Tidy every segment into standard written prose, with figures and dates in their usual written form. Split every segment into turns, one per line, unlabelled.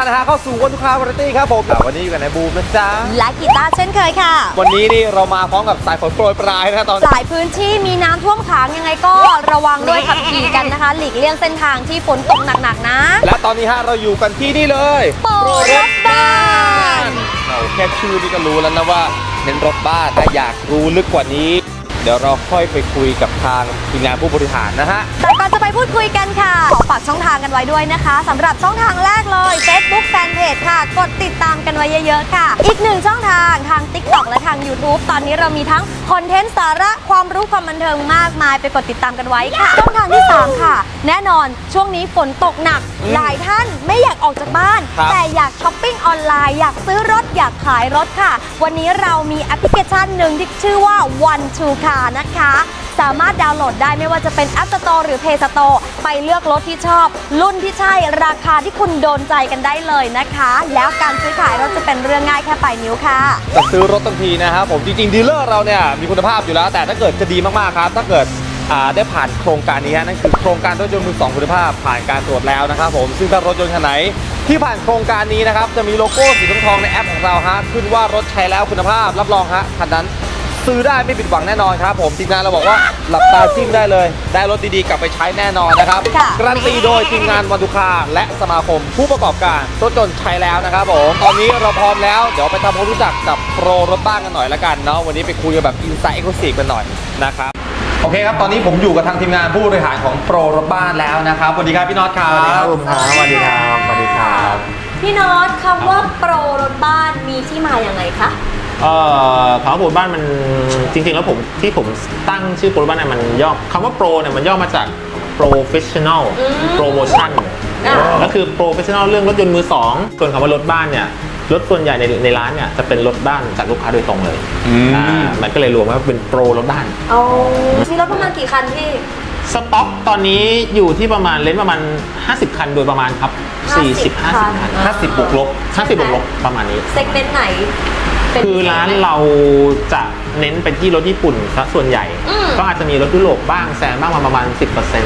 นะฮะเข้าสู่วันทุกคราวาไรตี้ครับผมวันนี้อยู่กับนายบูมนะจ๊ะ
และกีตาร์เช่นเคยค่ะ
วันนี้นี่เรามาพร้อมกับสายฝนโปรยปลายนะตอน
หลายพื้นที่มีน้ำท่วมขังยังไงก็ระวังด้วยขับขี่กันนะคะหลีกเลี่ยงเส้นทางที่ฝนตกหนักๆนะ
และตอนนี้ฮะเราอยู่กันที่นี่เลย
โปรรถบ้าน
เราแค่ชื่อนี่ก็รู้แล้วนะว่าเน้นรถบ้านถ้าอยากรู้ลึกกว่านี้เดี๋ยวเราค่อยไปคุยกับทางทีมงานผู้บริหารนะฮะ
แต่ก่อนจะไปพูดคุยกันค่ะขอฝากช่องทางกันไว้ด้วยนะคะสำหรับช่องทางแรกเลย Facebook Fanpage ค่ะกดติดตามกันไว้เยอะๆค่ะอีกหนึ่งช่องทางทาง TikTok และทาง YouTube ตอนนี้เรามีทั้งคอนเทนต์สาระความรู้ความบันเทิงมากมายไปกดติดตามกันไว้ค่ะช่องทางที่3ค่ะแน่นอนช่วงนี้ฝนตกหนักหลายท่านไม่อยากออกจากบ้านแต่อยากช้อปปิ้งออนไลน์อยากซื้อรถอยากขายรถค่ะวันนี้เรามีแอปพลิเคชันหนึ่งที่ชื่อว่า One to Car นะคะสามารถดาวน์โหลดได้ไม่ว่าจะเป็น App Store หรือ Play Store ไปเลือกรถที่ชอบรุ่นที่ใช่ราคาที่คุณโดนใจกันได้เลยนะคะแล้วการซื้อขายรถจะเป็นเรื่องง่ายแค่ปลายนิ้วค่ะ
จะซื้อรถทันทีนะครับผมจริงๆดีลเลอร์เราเนี่ยมีคุณภาพอยู่แล้วแต่ถ้าเกิดจะดีมากๆครับถ้าเกิดได้ผ่านโครงการนี้นั่นคือโครงการรถยนต์มือ 2คุณภาพผ่านการตรวจแล้วนะครับผมซึ่งถ้ารถยนต์คันไหนที่ผ่านโครงการนี้นะครับจะมีโลโก้สีทองในแอปของเราฮะขึ้นว่ารถใช้แล้วคุณภาพรับรองฮะคันนั้นซื้อได้ไม่ผิดหวังแน่นอนครับผมทีมงานเราบอกว่าหลับตาจิ้มได้เลยได้รถดีๆกลับไปใช้แน่นอนนะครับการันตีโดยทีมงานวันทุกคาและสมาคมผู้ประกอบการรถยนต์ใช้แล้วนะครับผมตอนนี้เราพร้อมแล้วเดี๋ยวไปทำความรู้จักกับโปรรถบ้านกันหน่อยละกันเนาะวันนี้ไปคุยกันแบบอินไซต์เอ็กซ์คลูซีฟกันหน่อยนะครับโอเคครับตอนนี้ผมอยู่กับทางทีมงานผู้บริหารของโปรรถบ้านแล้วนะครับสวัสดีครับพี่น็อตครับ
สวัสดีครับผมครับสวัสดีครับสวัสดีครับ
พี่น็อตคำว่าโปรรถบ้านมีที่มาอย่างไรคะ
คำว่าโปรบ้านมันจริงๆแล้วผมตั้งชื่อโปรบ้านเนี่ยมันย่อคำว่าโปรเนี่ยมันย่อมาจาก professional promotion ก็คือ professional เรื่องรถยนต์มือสองส่วนคำว่ารถบ้านเนี่ยรถส่วนใหญ่ในร้านเนี่ยจะเป็นรถบ้านจากลูกค้าโดยตรงเลยมันก็เลยรวมว่าเป็นโปรรถบ้าน
มีรถประมาณกี่คันพี่
สต็อกตอนนี้อยู่ที่ประมาณเลนส์ประมาณ50 คันโดยประมาณครับ40-50 คัน
50 บวกลบ
ประมาณนี้
เซกเมนต์ไหน
คือร้านเราจะเน้นไปที่รถญี่ปุ่นซะส่วนใหญ่ก็อาจจะมีรถยุโรปบ้างแซมบ้างมาประมาณ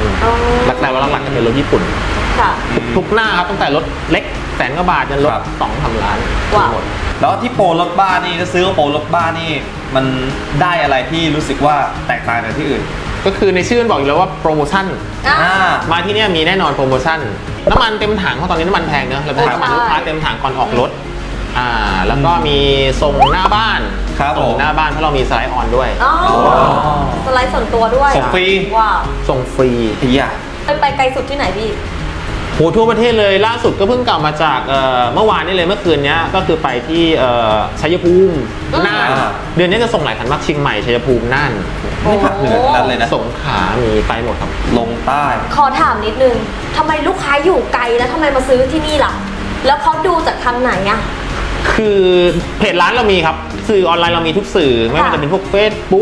10%หลักๆว่าหลักๆจะเป็นรถญี่ปุ่นทุกหน้าครับตั้งแต่รถเล็กแสนกว่าบาทจนรถ2-3 ล้านหมด
แล้วที่โปรรถบ้านนี่ถ้าซื้อโปรรถบ้านนี่มันได้อะไรที่รู้สึกว่าแตกต่างจากที่อื่น
ก็คือในชื่อมันบอกอยู่แล้วว่าโปรโมชั่นมาที่นี่มีแน่นอนโปรโมชั่นน้ำมันเต็มถังเพราะตอนนี้น้ำมันแพงเนอะเราจะให้น้ำมันลูกค้าเต็มถังก่อนออกรถแล้วก็มีส่งหน้าบ้านส่งหน้าบ้านเพราะเรามีสไลด์ออนด้วย
สไลด์ส่วนตัวด้วย
ส่งฟรี
ว้าว
ส่งฟรี
ไปไกลสุดที่ไหนพี่
โหทั่วประเทศเลยล่าสุดก็เพิ่งกลับมาจากเมื่อวานนี้เลยเมื่อคืนนี้ก็คือไปที่ชัยภูมิน่านเดือนนี้จะส่งหลายคันมากเชียงใหม่ชัยภูมิน่าน
ไม่ผักเหนือนั่นเลยนะ
สงขลามีไปหมดครับ
ลงใต้
ขอถามนิดนึงทำไมลูกค้าอยู่ไกลแล้วทำไมมาซื้อที่นี่ล่ะแล้วเขาดูจากทางไหนอะ
คือเพจร้านเรามีครับสื่อออนไลน์เรามีทุกสื่อไม่ว่าจะเป็นพวก Facebook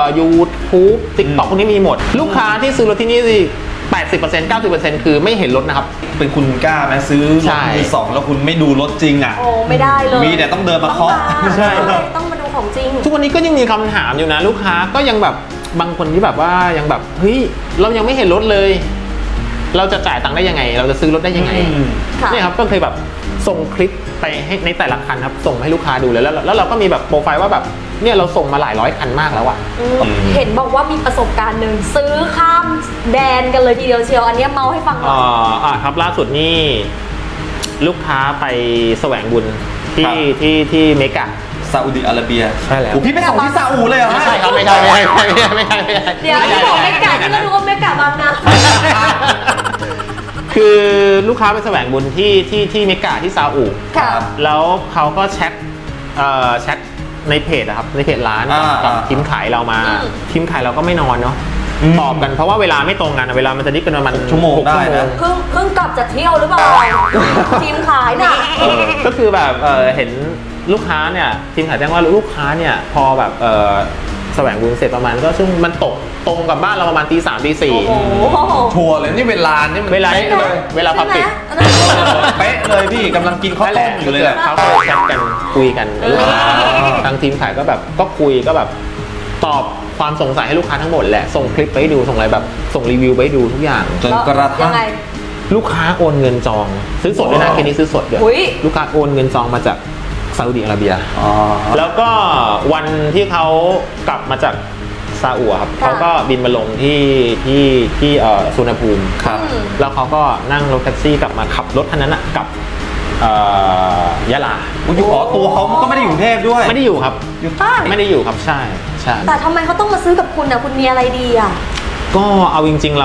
YouTube TikTok พวกนี้มีหมดลูกค้าที่ซื้อรถที่นี่สิ80% 90% คือไม่เห็นรถนะครับ
เป็นคุณกล้าไหมซื้อรถมือสองแล้วคุณไม่ดูรถจริงอ่ะ
โอ้ไม่ได้เลย
มีแต่ต้องเดินมาเคาะ
ใช่
ต้องมาดูของจริง
ทุกวันนี้ก็ยังมีคำถามอยู่นะลูกค้าก็ยังแบบบางคนที่แบบว่ายังแบบเฮ้ยเรายังไม่เห็นรถเลยเราจะจ่ายตังค์ได้ยังไงเราจะซื้อรถได้ยังไงเนี่ยครับก็เคยแบบส่งคลิปไปให้ในแต่ละคันครับส่งให้ลูกค้าดูเลยแล้วเราก็มีแบบโปรไฟล์ว่าแบบเนี่ยเราส่งมาหลายร้อยคันมากแล้วอะ
เห็นบอกว่ามีประสบการณ์หนึ่งซื้อข้ามแดนกันเลยทีเดียวเชียวอันนี้เมาให้ฟังหน่อย
ครับล่าสุดนี่ลูกค้าไปแสวงบุญที่เมกะ
ซาอุดิอาระเบีย
ใช่แล้ว
พี่ไปส่งที่ซาอุเลยเหรอ
ไม่ใช่ครับไม่ใช่
เดี๋ยวที่บอกเมกะที่เรารู้ว่าเมกะบางนา
คือลูกค้าไปแสวงบุญที่เมกาที่ซาอุแล้วเขาก็แชทในเพจนะครับในเพจร้านกับทีมขายเรามาทีมขายเราก็ไม่นอนเนาะตอบกันเพราะว่าเวลาไม่ตรงกันเวลามันจะดิบกันประมาณ
ชั่วโมงได้นะ
เพิ่งกลับจากเที่ยวหรือเปล่าทีมขายน่ะ
ก็คือแบบเห็นลูกค้าเนี่ยทีมขายแจ้งว่าลูกค้าเนี่ยพอแบบแสวงบุญเสร็จประมาณก็ซึ่งมันตกตรงกับบ้านเราประมาณตี 3 ตี 4
ชัวร์เลยนี่เวลานี่มัน
เวลาเลยเวลาพับปิด
เป๊ะเลยพี่กำลังกินข้าวต้มอยู่เลย
เขาแชทกันคุยกันทางทีมขายก็แบบก็คุยก็แบบตอบความสงสัยให้ลูกค้าทั้งหมดแหละส่งคลิปไปดูส่งอะไรแบบส่งรีวิวไปดูทุกอย่าง
จนกระทั่ง
ลูกค้าโอนเงินจองซื้อสดด้วยนะเคสนี้ซื้อสดด้วย
อุ๊ย
ลูกค้าโอนเงินจองมาจากซาอุดิอาระเบีย
อ๋อ
แล้วก็วันที่เขากลับมาจากซาอุอะครับ
ค่ะ
เขาก็บินมาลงที่สุวรรณภูมิ
ครับ
แล้วเขาก็นั่งรถแท็กซี่กลับมาขับรถคันนั้นอะกลับยะลา
อยู่อ๋อตัวเขาก็ไม่ได้อยู่กรุงเทพด้วย
ไม่ได้อยู่ครับ
อยู่ใต้
ไม่ได้อยู่ครับใช่ใช่
แต่ทำไมเขาต้องมาซื้อกับคุณนะคุณมีอะไรดีอ่ะ
ก็เอาจริงๆ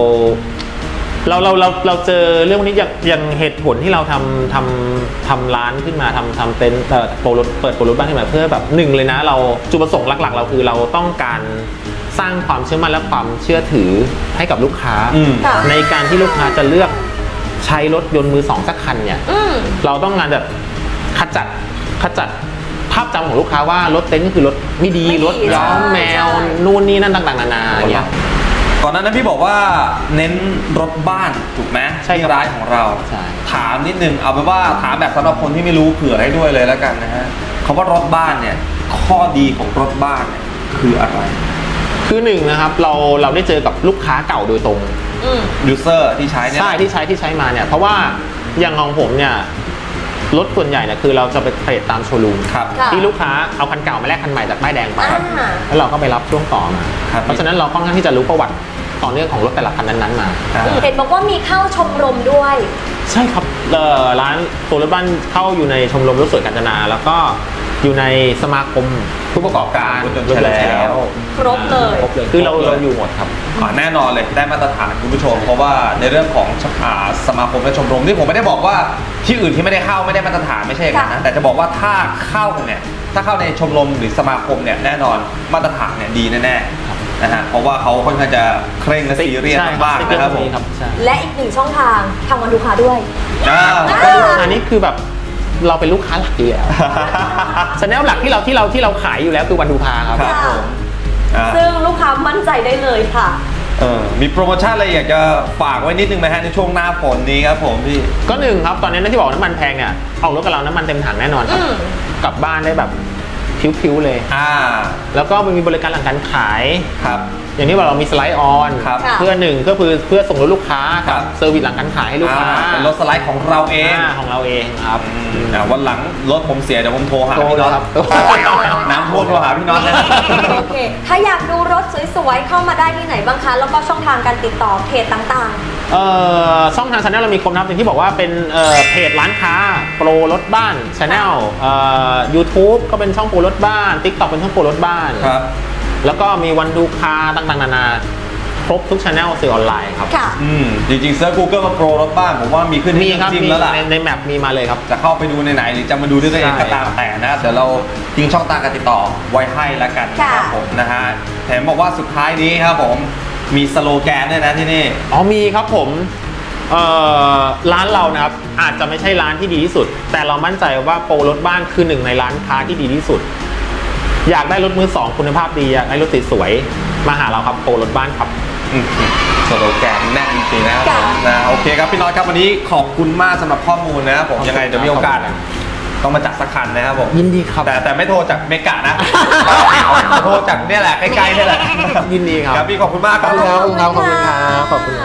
เราเจอเรื่องนี้อย่างเหตุผลที่เราทำร้านขึ้นมาทำเต็นท์โปรรถเปิดโปรรถบ้านขึ้นมาเพื่อแบบหนึ่งเลยนะเราจุดประสงค์หลักๆ เราคือเราต้องการสร้างความเชื่อมั่นและความเชื่อถือให้กับลูกค้า
ค่ะ
ในการที่ลูกค้าจะเลือกใช้รถยนต์มือสองสักคันเนี่ย เราต้องการแบบขจัดภาพจำของลูกค้าว่ารถเต็นท์ก็คือรถไม่ดี
ไม่ดี
รถย้อมแมว
ใช่
นู่นนี่นั่นต่างๆนานาอย่างเงี้ย
ก่อนหน้านั้นพี่บอกว่าเน้นรถบ้านถูกไหม
ใช่ครับ
ที่ร้านของเรา
ใช่
ถามนิดนึงเอาเป็นว่าถามแบบสำหรับคนที่ไม่รู้เผื่อให้ด้วยเลยแล้วกันนะฮะคำว่ารถบ้านเนี่ยข้อดีของรถบ้านเนี่ยคืออะไร
คือหนึ่งนะครับเราได้เจอกับลูกค้าเก่าโดยตรง
ยูเซอร์ที่ใช้เนี่ย
ใช่ที่ใช้มาเนี่ยเพราะว่าอย่างของผมเนี่ยรถส่วนใหญ่เนี่ยคือเราจะไปเทรดตามโชว์รูม
ครับ
ค่ะ
ที่ลูกค้าเอาคันเก่ามาแลกคันใหม่จากป้ายแดงไป
อ่า
แล้วเราก็ไปรับช่วงต่อมา
ครับ
เพราะฉะนั้นเราค่อนข้างที่จะรู้ประวัติต่อเนื่องของรถแต่ละคันนั้นๆมา
อ่า
เห็นบอกว่ามีเข้าชมรมด้วย
ใช่ครับร้านตัวรถบ้านเข้าอยู่ในชมรมรถสวยกาญจนาแล้วก็อยู่ในสมาคม
ผู้ประกอบการรถยนต์
รถยนต์
ใช้แล้ว
ครบเลย
ครบเลยคือเราอยู่หมดครับ
แน่นอนเลยได้มาตรฐานคุณผู้ชม เพราะว่าในเรื่องของสมาคมและชมรมที่ผมไม่ได้บอกว่าที่อื่นที่ไม่ได้เข้าไม่ได้มาตรฐานไม่ใช่อย่างนั้นนะแต่จะบอกว่าถ้าเข้าเนี่ยถ้าเข้าในชมรมหรือสมาคมเนี่ยแน่นอนมาตรฐานเนี่ยดีแน่ๆนะฮะเพราะว่าเขาค่อนข้างจะเคร่งและซีเรียสมากๆนะครับผม
ใช่
และอีกหนึ่งช่องทางทางวันลูกค้าด้วย
อันนี้คือแบบเราเป็นลูกค้าหลักอยู่แล้วชแนลหลักที่เราขายอยู่แล้วคือวันดูพาครับ
ครับผมอ่า
ซึ่งลูกค้ามั่นใจได้เลยค่ะ
มีโปรโมชั่นอะไรอยากจะฝากไว้นิดนึงไหมฮะในช่วงหน้าฝนนี้ครับผมพี่
ก็หนึ่งครับตอนนี้ที่บอกน้ำมันแพงเนี่ยออกรถกับเราน้ำมันเต็มถังแน่นอนครับ
อืม
กลับบ้านได้แบบพิ้วๆเลย แล้วก็มันมีบริการหลังการขาย
ครับ
อย่างที่บอกเรามีสไลด์ออน
ครับ
เพื่อหนึ่งก็คือเพื่อส่งรถลูกค้า
ครั
กับ เซอร์วิสหลังการขายให้ลูกค้า
เป็นรถสไลด์ของเราเอง
ของเราเองครับ
วันหลังรถผมเสียเดี๋ยวผมโทรหา
โทร
พี่น็อต
ครับ
น้ำท่วมโทรหาพี่น็อตนะ
โอเค ถ้าอยากดูรถสวยๆ เข้ามาได้ที่ไหนบ้างคะ แล้วก็ช่องทางการติดต่อเพจต่าง
ช่องทางชาแนลเรามีครบนะครับอย่างที่บอกว่าเป็นเพจร้านค้าโปรรถบ้านชาแนลYouTube ก็เป็นช่องโปรรถบ้าน TikTok เป็นช่องโปรรถบ้าน
ครับ
แล้วก็มีวันดูคาต่างๆนานาครบทุกช anel สื่อออนไลน์ครับ
ๆ ค่ะ
จริงๆเซิร์ช Google มาโปรรถบ้านผมว่ามีขึ้น
มี
ให้
ครับ
จิ้ม
มี
แล้วล่ะ
ในแมปมีมาเลยครับ
จะเข้าไปดูในไหนหรือจะมาดูด้วยตัวเอง
ใช่
ก็ตามแต่นะเดี๋ยวเราทิ้งช่องทางการติดต่อไว้ให้แล้วกันนะครับ
ค่ะ
ผมนะฮะแถมบอกว่าสุดท้ายนี้ครับผมมีสโลแกนด้วยนะที่นี่
อ๋อมีครับผมร้านเรานะครับอาจจะไม่ใช่ร้านที่ดีที่สุด แต่เรามั่นใจว่าโปรรถบ้านคือหนึ่งในร้านค้าที่ดีที่สุด อยากได้รถมือสองคุณภาพดีอยากได้รถสวยๆมาหาเราครับโปรรถบ้านครับ
สโลแกนแน่นจริงๆนะครับ
ค่ะ
นะโอเคครับพี่น้อยครับวันนี้ขอบคุณมากสำหรับข้อมูลนะครับผมยังไงเดี๋ยวมีโอกาสต้องมาจัดสักคันนะครับผม
ยินดีครับ
แต่ไม่โทรจากเมกะนะ โทรจากเนี่ยแหละใกล้ๆนี่แหละ
ยินดีครับ
ครับพี่ขอบคุณมากครับ
ขอบคุณครับ
ขอบคุณครับ